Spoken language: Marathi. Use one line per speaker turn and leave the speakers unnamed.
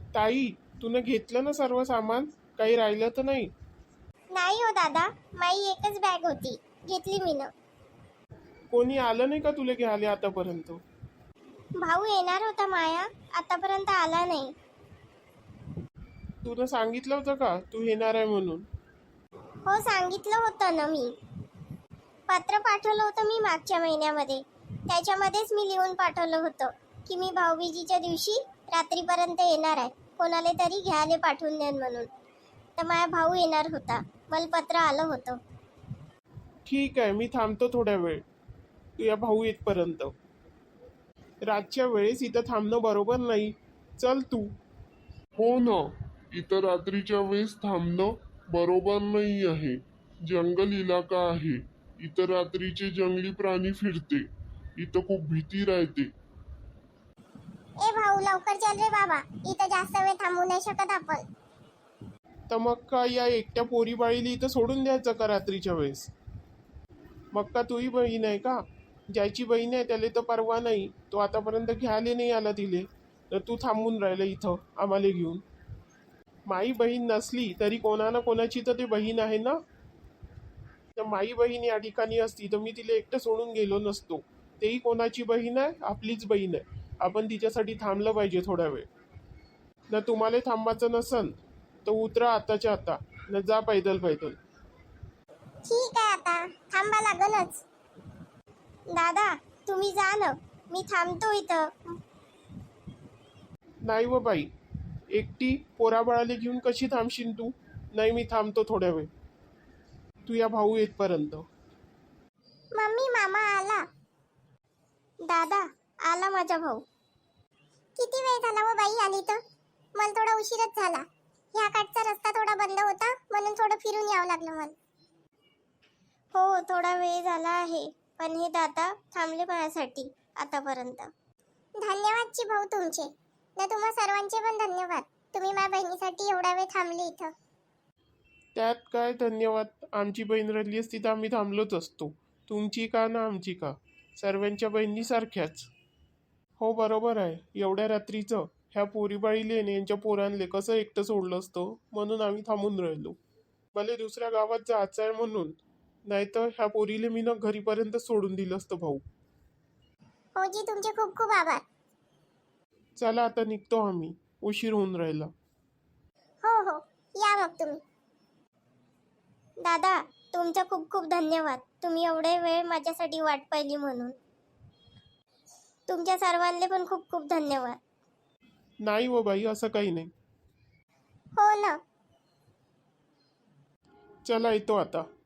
ताई, तुनं घेतलं ना सर्व सामान? काही राहिलं तर नाही?
नाही हो दादा, माई एकच बॅग होती, घेतली मीनं.
कोणी आलं नाही का तुला घ्यायला आतापर्यंत?
भाऊ येणार होता माया, आतापर्यंत आला नाही.
तुनं सांगितलं होतं का तू येणार आहे म्हणून?
हो सांगितलं होतं ना मी. पत्र पाठवलं होतं मी मागच्या महिन्यामध्ये. त्याच्यामध्येच मी लिहून पाठवलं होतं की मी भाऊबीजीच्या दिवशी रात्रीपर्यंत येणार आहे, कोणाला तरी घ्यायला पाठवून देन म्हणून. तर माझा भाऊ येणार होता, मला पत्र आलं होतं.
ठीक आहे, मी थांबतो थोड्या वेळ तुझ्या भाऊ येतपर्यंत. रातच्या वेळेस इथं थांबणं बरोबर नाही. चल तू.
हो ना, इतर रात्रीच्या वेळेस थांबणं बरोबर नाही आहे. जंगल इलाका आहे. इतर रात्रीचे जंगली प्राणी फिरते. इथं खूप भीती राहते.
ए भाऊ लवकर चल रे बाबा, इथं जास्त वेळ थांबू नाही शकत आपण.
तर मग का या एकट्या पोरीबाळीला इथं सोडून द्यायचं का रात्रीच्या वेळेस? मग का तुही बहीण आहे का? ज्याची बहीण आहे त्याला तर परवा नाही, तो आतापर्यंत घ्यायला नाही आला तिले, तर तू थांबून राहिलं इथं आम्हाला घेऊन. माई बहीण नसली तरी कोणा ना कोणाची तर ते बहीण आहे ना. तर माई बहीण या ठिकाणी असती तर मी तिला एकटं सोडून गेलो नसतो. तेही कोणाची बहीण आहे? आपलीच बहीण आहे. आपण तिच्यासाठी थांबलं पाहिजे थोडा वेळ. न तुम्हाला थांबायचं नसन तर उतरा आताच्या आता, न जा पैदल पैदल.
ठीक आहे, आता थांबा लागलच. दादा तुम्ही जा ना, मी थांबतो इथं.
नाही व बाई, एकटी पोराबाळाला घेऊन कशी थांबशील तू? नाही, मी थांबतो थोड्या वेळ तू या भाऊ येतपर्यंत.
मम्मी मामा आला. दादा आला माझा भाऊ. किती वेळ झाला व बाई आली तर? मला थोडा उशीरच झाला. ह्या काठचा रस्ता थोडा बंद होता म्हणून थोडं फिरून यावं लागलं मला. हो थोडा वेळ झाला आहे, पण हे दादा थांबले माझ्यासाठी आतापर्यंत. धन्यवादची भाऊ तुमचे. ना तुम्हा सर्वांचे पण धन्यवाद, तुम्ही माझ्या बहिणीसाठी एवढा वेळ थांबले इथं.
त्यात काय धन्यवाद? आमची बहीण राहिली असती तर आम्ही थांबलोच असतो. तुमची का ना आमची का, सर्वांच्या बहिणी सारख्याच. हो बरोबर आहे. एवढ्या रात्रीचं ह्या पोरीबाळीले आणि यांच्या पोरांले कसं एकटं सोडलं असतं, म्हणून आम्ही थांबून राहिलो. भले दुसऱ्या गावात जायचं आहे म्हणून, नाहीतर ह्या पोरीले मी ना घरीपर्यंत सोडून दिलं असतं भाऊ.
हो जी तुमचे खूप खूप आभार.
चला आता निघतो आम्ही, उशीर होऊन राहिला.
हो हो या मग तुम्ही. दादा तुमचा खूप खूप धन्यवाद, तुम्ही एवढे वेळ माझ्यासाठी वाट पाहिली म्हणून. तुमच्या सर्वांना पण खूप खूप धन्यवाद.
नाही व बाई, असं काही नाही.
हो ना.
चला येतो आता.